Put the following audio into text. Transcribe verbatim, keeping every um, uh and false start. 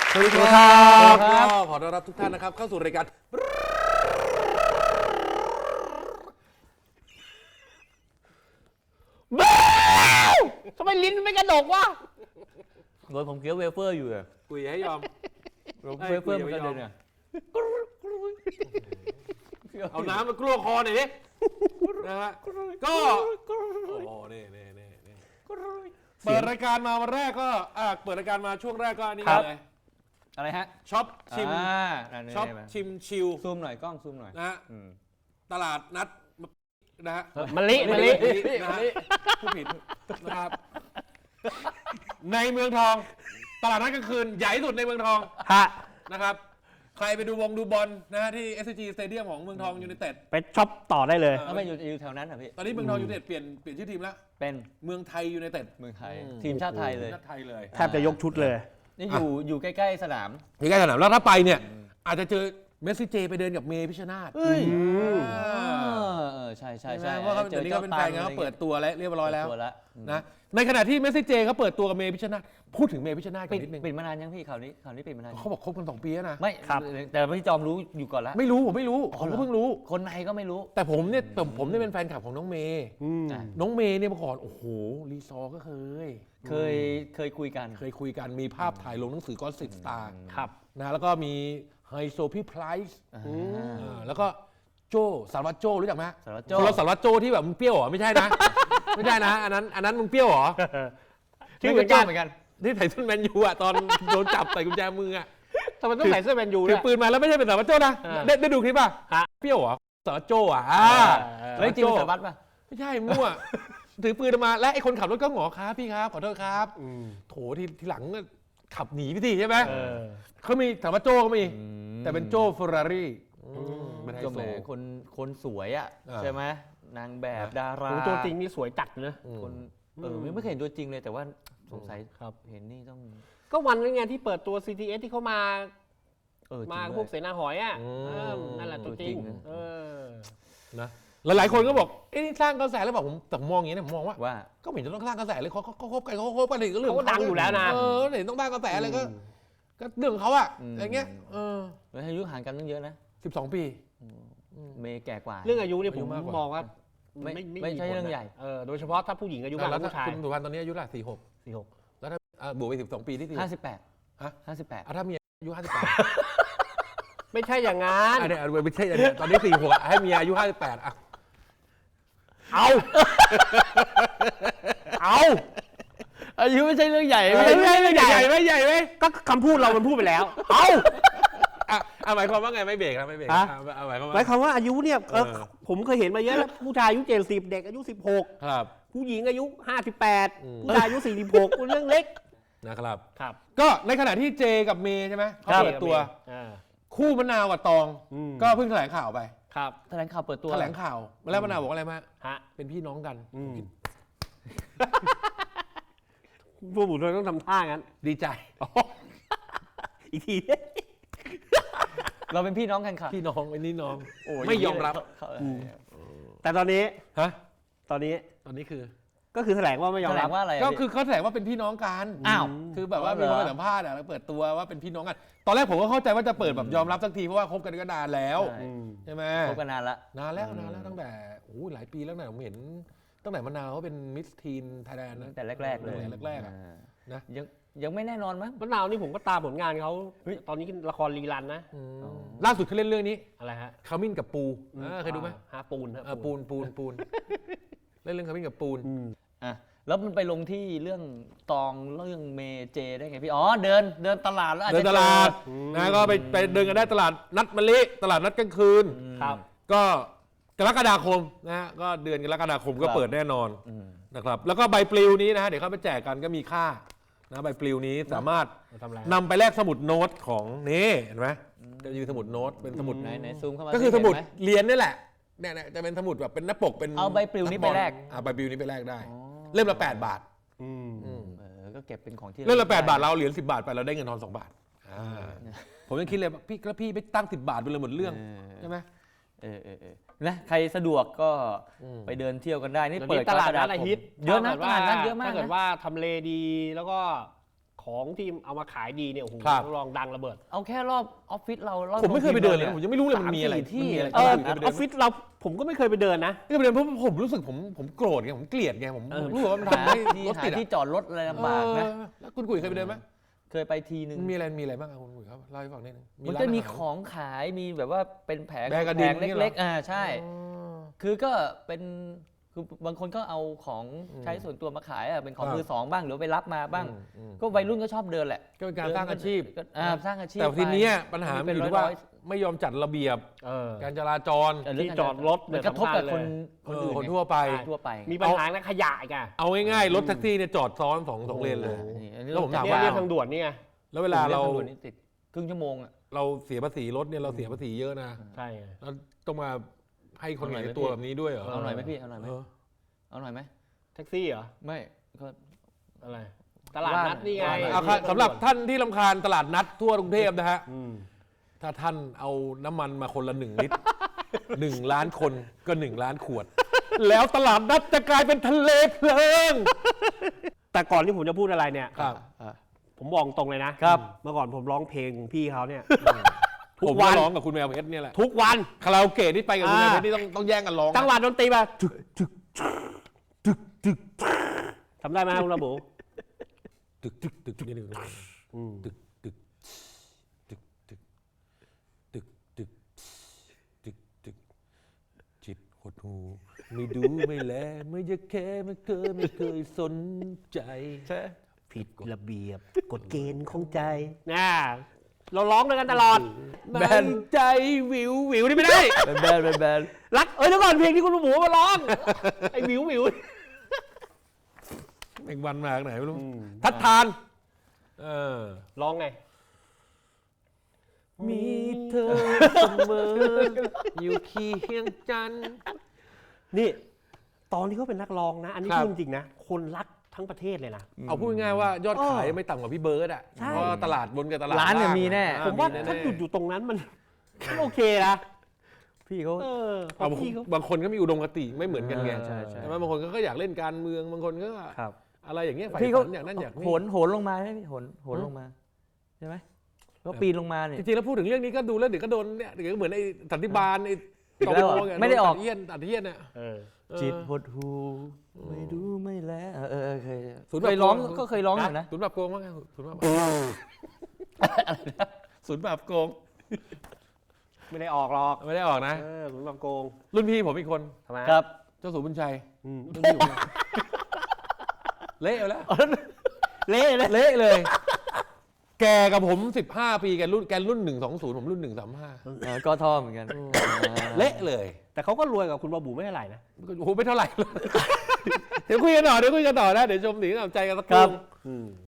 สวัสดีครับขอต้อนรับทุกท่านนะครับเข้าสู่รายการบ้าทำไมลิ้นไม่กระดกวะโดนผมเคี้ยวเวเฟอร์อยู่เลยคุยให้ยอมเวเฟอร์มันกระเด็นเนี่ยเอาน้ำมากลัวคอหน่อยดินะฮะก็โอ้นี่นี่นี่เปิดรายการมาวันแรกก็อ่าเปิดรายการมาช่วงแรกก็นี่เลยอะไรฮะช็อปชิมช็อปชิมชิลซูมหน่อยกล้องซูมหน่อยนะฮะตลาดนัดนะฮะมะลิมะลินะฮะผู้ผิดนะครับในเมืองทองตลาดนัดกลางคืนใหญ่สุดในเมืองทองฮะนะครับใครไปดูวงดูบอลนะฮะที่ เอส ซี จี Stadium ของเมืองทองยูไนเต็ดไปช็อปต่อได้เลยแล้วไปอยู่อยู่แถวนั้นเหรอพี่ตอนนี้เมืองทองยูไนเต็ดเปลี่ยนเปลี่ยนชื่อทีมแล้วเป็นเมืองไทยยูไนเต็ดเมืองไทยทีมชาติไทยเลยชาติไทยเลยแทบจะยกชุดเลยนี่อยู่อยู่ใกล้ๆสนามอยู่ใกล้สนามแล้วถ้าไปเนี่ยอาจจะเจอเมสซี่เจไปเดินกับเมย์พิชชนาธิ์เฮ้ยเออใช่ใช่ใช่เพราะเขาเดี๋ยวนี้ก็เป็นแฟนกันเขาเปิดตัวแล้วเรียบร้อยแล้วนะในขณะที่เมสซี่เจเขาเปิดตัวกับเมย์พิชชนาธิ์พูดถึงเมย์พิชชนาธิ์กันนิดนึงปิดมานานยังพี่ข่าวนี้ข่าวนี้ปิดมานานเขาบอกคบกันสองปีแล้วนะไม่ครับแต่พี่จอมรู้อยู่ก่อนแล้วไม่รู้ผมไม่รู้ผมก็เพิ่งรู้คนในก็ไม่รู้แต่ผมเนี่ยผมผมเนี่ยเป็นแฟนคลับของน้องเมย์น้องเมย์เนี่ยเมื่อก่อนโอ้โหรีซอร์ก็เคยเคยเคยคุยกันเคยคุยกันมีภาพถ่ายลงหนังสือก้อนสิบสตาร์ครับนะแล้วก็มีไฮโซพี่ไพรส์แล้วก็โจสารวัตรโจรู้จักไหมสารวัตรโจเราสารวัตรโจที่แบบมึงเปรี้ยวเหรอไม่ใช่นะไม่ใช่นะอันนั้นอันนั้นมึงเปรี้ยวเหรอที่เหมือนกันเหมือนกันที่ใส่เสื้อแมนยูอ่ะตอนโดนจับใส่กุญแจมืออ่ะทำไมต้องใส่เสื้อแมนยูถือปืนมาแล้วไม่ใช่เป็นสารวัตรโจนะได้ได้ดูคลิปป่ะเปรี้ยวเหรอสารวัตรโจอ่ะแล้วจริงสารวัตรป่ะไม่ใช่มั่วถือปืนมาและไอ้คนขับรถก็หงอครับพี่ครับขอโทษครับโถที่ทีหลังขับหนีพี่ทีใช่ไหมเขามีสารวัตรโจเขามีแต่เป็นโจเฟอร์รารี่ก็แหมคนคนสวยอ่ะใช่ไหมนางแบบดาราตัวจริงนี่สวยจัดเลยคนเออไม่เคยเห็นตัวจริงเลยแต่ว่าสงสัยครับเห็นนี่ต้องก็วันนั้นไงที่เปิดตัว ซี ที เอส ที่เขามามาพวกเสนาหอยอ่ะนั่นแหละตัวจริงนะหลายๆคนก็บอกเอ้นี่สร้างกระแสแล้วบอกผมแต่มองอย่างนี้เนี่ยผมมองว่าว่าก็ไม่เห็นจะต้องสร้างกระแสเลยเขาเขาคบกันเขาคบกันก็เรื่องเขาดังอยู่แล้วนะเออเห็นต้องสร้างกระแสอะไรก็ก็เรื่องของเขาอะอะไรเงี้ยเออแล้วอายุห่างกันตั้งเยอะนะสิบสองปีเมย์แก่กว่าเรื่องอายุเนี่ยผมมองว่าไม่ไม่ใช่เรื่องใหญ่เออโดยเฉพาะถ้าผู้หญิงอายุมากกว่าผู้ชายคุณสุวรรณตอนนี้อายุเท่าไหร่สี่หกสี่หกแล้วถ้าบวกไปสิบสองปีที่สี่ห้าสิบแปดฮะห้าสิบแปดถ้ามีอายุห้าสิบแปดไม่ใช่อย่างงั้นอันนี้ไม่ใช่ตอนนี้สี่หกให้มีอายุห้าสิบแปดอ่ะเอาเอาอายุไม่ใช่เรื่องใหญ่ไม่ใช่เรื่องใหญ่ไม่ใหญ่ไหมก็คำพูดเรามันพูดไปแล้วเอาอ่ะหมายความว่าไงไม่เบรกนะไม่เบรกหมายความว่าหมายความว่าอายุเนี่ยผมเคยเห็นมาเยอะแล้วผู้ชายอายุเจ็ดสิบเด็กอายุสิบหกครับผู้หญิงอายุห้าสิบแปดผู้ชายอายุสี่สิบหกเรื่องเล็กนะครับครับก็ในขณะที่เจกับเมย์ใช่ไหมเขาเปิดตัวคู่มะนาวกับตองก็เพิ่งแถลงข่าวไปครับแถลงข่าวเปิดตัวแถลงข่าวแล้วมะนาวบอกอะไรมาฮะเป็นพี่น้องกันพวกบุตรต้องทำท่างั้นดีใจอีกทีเราเป็นพี่น้องกันค่ะพี่น้องเป็นนี่น้องไม่ยอมรับแต่ตอนนี้ฮะตอนนี้ตอนนี้คือก็คือแถลงว่าไม่ยอมรับว่าอะไรก็คือเขาแถลงว่าเป็นพี่น้องกันอ้าวคือแบบว่ามีคนสัมภาษณ์แล้วเปิดตัวว่าเป็นพี่น้องกันตอนแรกผมก็เข้าใจว่าจะเปิดแบบยอมรับสักทีเพราะว่าคบกันก็นานแล้วใช่ไหมคบกันนานละนานแล้วนานแล้วตั้งแต่โอ้หลายปีแล้วนะผมเห็นตั้งแต่มะนาวเขาเป็นมิสทีนไทยแลนด์ตั้งแต่แรกๆเลยแรกๆนะยังยังไม่แน่นอนมั้งมะนาวนี่ผมก็ตามผลงานเขาตอนนี้ละครรีรันนะล่าสุดเขาเล่นเรื่องนี้อะไรฮะขมิ้นกับปูเคยดูไหมฮะปูนฮะปูนปูนปูนเล่นเรื่องขมิ้นกับปูนอ่ะแล้วมันไปลงที่เรื่องตองเรื่องเมเจได้ไงพี่อ๋อเดินเดินตลาดแล้วเดินตลาดนะก็ไปไปเดินกันได้ตลาดนัดมะลิตลาดนัดกลางคืนครับก็กรกฎาคมนะฮะก็เดือนกรกฎาคมก็เปิดแน่นอนนะครับแล้วก็ใบปลิวนี้นะฮะเดี๋ยวเขาไปแจกกันก็มีค่านะใบปลิวนี้สามารถนำไปแลกสมุดโน้ตของนี่เห็นไหมจะมีสมุดโน้ตเป็นสมุดไหนไหนซูมเข้ามาก็คือสมุดเรียนนี่แหละเนี่ยจะเป็นสมุดแบบเป็นหน้าปกเป็นเอาใบปลิวนี้ไปแลกอ่าใบปลิวนี้ไปแลกได้เล่มละแปดบาทอืมเออก็เก็บเป็นของที่เล่มละแปดบาทเราเหรียญสิบบาทไปเราได้เงินทอนสองบาทผมยังคิดเลยพี่แล้วพี่ไปตั้งสิบบาทไปเลยหมดเรื่องใช่ไหมเออเออนะใครสะดวกก็ไปเดินเที่ยวกันได้นี่เปิดตลาดนัดอาทิตย์เยอะนะตลาดนัดเยอะมากถ้าเกิดว่าทำเลดีแล้วก็ขของที่เอามาขายดีเนี่ยโอ้โหครับลองดังระเบิดเอาแค่รอบออฟฟิศเรารอบผมไม่เคยไปเดินเลยนะผมยังไม่รู้เลยมันมีอะไรสาสี่ที่มันมีอะไรเออผมอไม่เคยไปเดิอน ฟฟิศเราผมก็ไม่เคยไปเดินนะไม่เคยไปเดินเพราะผมรู้สึกผมผมโกรธไงผมเกลียดไงผมเออรู้สึกว่ามันหาทำให้ที่รถหาติดที่อะจอดรถอะไรลำบากนะเออแล้วคุณกุยเคยไปเดินไหมเคยไปทีนึงมันมีอะไรมีอะไรบ้างอะคุณกุยครับเล่าให้ฟังนิดนึงมันร้าก็อาหารมีของขายมีแบบว่าเป็นแผงแบกระดิ่งแผงนี่เหรอเล็กๆอ่าใช่อ๋อคือก็เป็นคือบางคนก็เอาของใช้ส่วนตัวมาขายอ่ะเป็นของครับมือสองบ้างหรือไปรับมาบ้างอืมอืมก็วัยรุ่นก็ชอบเดินแหละก็เป็นการสร้างอาชีพก็อ่าสร้างอาชีพแต่ทีเนี้ยไปปัญหาเป็มันนอยู่ที่ว่าร้อยไม่ยอมจัดระเบียบเออการจราจรๆเเรื่งที่จอดรถมันกระทบกับคนเอคนออื่นคนไงทั่วไปทั่วไปมีปัญหาในขยะอีกอะเอาง่ายๆรถแท็กซี่เนี่ยจอดซ้อนสองสองเลนเลยนี่อันนี้แล้วผมถามเนี่ยว่าเรียกทางด่วนนี่ไงแล้วเวลาเราทงด่วนนี่ติดครึ่งชั่วโมงอ่ะเราเสียภาษีรถเนี่ยเราเสียภาษีเยอะนะใช่ไงแล้วต้องมาให้คนเอาหน่เห็อยนไหมตัวพี่แบบนี้ด้วยเหรอเอาหน่อยไหมพี่เอาหน่อยไหมเออเอาหน่อยไหมแท็กซี่เหรอไม่ก็อะไร ตลาดนัดนี่ไงว่าเอาครับสำหรับท่านที่ลำคาญตลาดนัดทั่วกรุงเทพนะฮะอืมถ้าท่านเอาน้ำมันมาคนละหนึ่งลิตร หนึ่งล้านคนก็หนึ่งล้านขวด แล้วตลาดนัดจะกลายเป็นทะเลเพลิงแต่ก่อนที่ผมจะพูดอะไรเนี่ยครับอ่ะผมบอกตรงเลยนะครับ เมื่อก่อนผมร้องเพลงพี่เขาเนี่ย ทุผมกวัก็นร้องกับคุณแมวเพชรเนี่ยแหละทุกวันคาราโอเกะที่ไปกับคุณแมวอ่าเพชรนี่ต้องต้องแย่งกันร้องนะจังหวะดนตรีมาทำได้ไหมคุณระบุตึกตึกตึกตึกนี่หนึ่งอืมตึกตึกตึกตึกตึกตึกตึกตึกจิตหดหูไม่ดูไม่แลไม่อยากแค่ไม่เคยไม่เคยสนใจใช่ผิดระเบียบกฎเกณฑ์ของใจน่าเราร้องด้วยกันตลอดแบนใจวิววิวนี่ไม่ได้แบนแบนแบนแบนรักเอ้ยเดี๋ยวก่อนเพลงที่คุณระบุมาร้อง ไอ้วิววิวแมงวันมาจากไหนไม่รู้อืมทัดทานเออร้องไงมีเธอเสมออยู่เคียงจันทร์นี่ ตอนที่เขาเป็นนักร้องนะ อันนี้ครับพูดจริงนะ คนรักทั้งประเทศเลยนะเอาพูดง่ายๆว่ายอดขายเออไม่ต่ำกว่าพี่เบิร์ดอ่ะใช่เพราะว่าตลาดบนกับตลาดร้านเนี่ยล่งมีแน่อ่ผมว่าแน่ๆถ้าหยุดอยู่ตรงนั้นมัน โอเคนะพี่เขาเออเอาพี่เขาบางคนก็มีอุดมคติไม่เหมือนกันไงใช่ใช่ใช่ไหมบางคนก็อยากเล่นการเมืองบางคนก็ครับอะไรอย่างเงี้ยฝ่ายพี่เขาฝันอย่างนั้นอย่างนี้โหนโหนลงมาใช่ไหมพี่โหนโหนลงมาใช่ไหมก็ปีนลงมาเนี่ยจริงๆแล้วพูดถึงเรื่องนี้ก็ดูแล้วเดี๋ยวก็โดนเนี่ยเดี๋ยวก็เหมือนไอ้สันติบาลไอ้อีกแล้วเหรอตงไม่ได้ออกตัเยียนตัดเยียนเนี่ยเออเออจิตหดหูไม่ดูไม่แลเออเออเออเคยศูนย์เคยร้องแบบโกงก็เคยร้องอยู่นะศูนย์แบบโกงว่าไงศูนย์แบบศูนย์แบบโกงไม่ได้ออกหรอกไม่ได้ออกนะเออผมแบบโกงรุ่นพี่ผมอีกคนทำไมครับเจ้าสัวบุญชัยอืมรุ่นพี่ผมเละเอาแล้วเละเลยเละเลย แกกับผมสิบห้าปีแกรุ่นแกรุ่นหนึ่งสองศูนย์ผมรุ่นหนึ่งสามห้าเออก็ท่อเหมือนกันเละเลยแต่เขาก็รวยกับคุณบาบูไม่เท่าไหร่นะโอ้โหไม่เท่าไหร่ เดี๋ยวคุยกันต่อเดี๋ยวคุยกันต่อนะเดี๋ยวชมหนีน้ำใจกันสักครู่อืม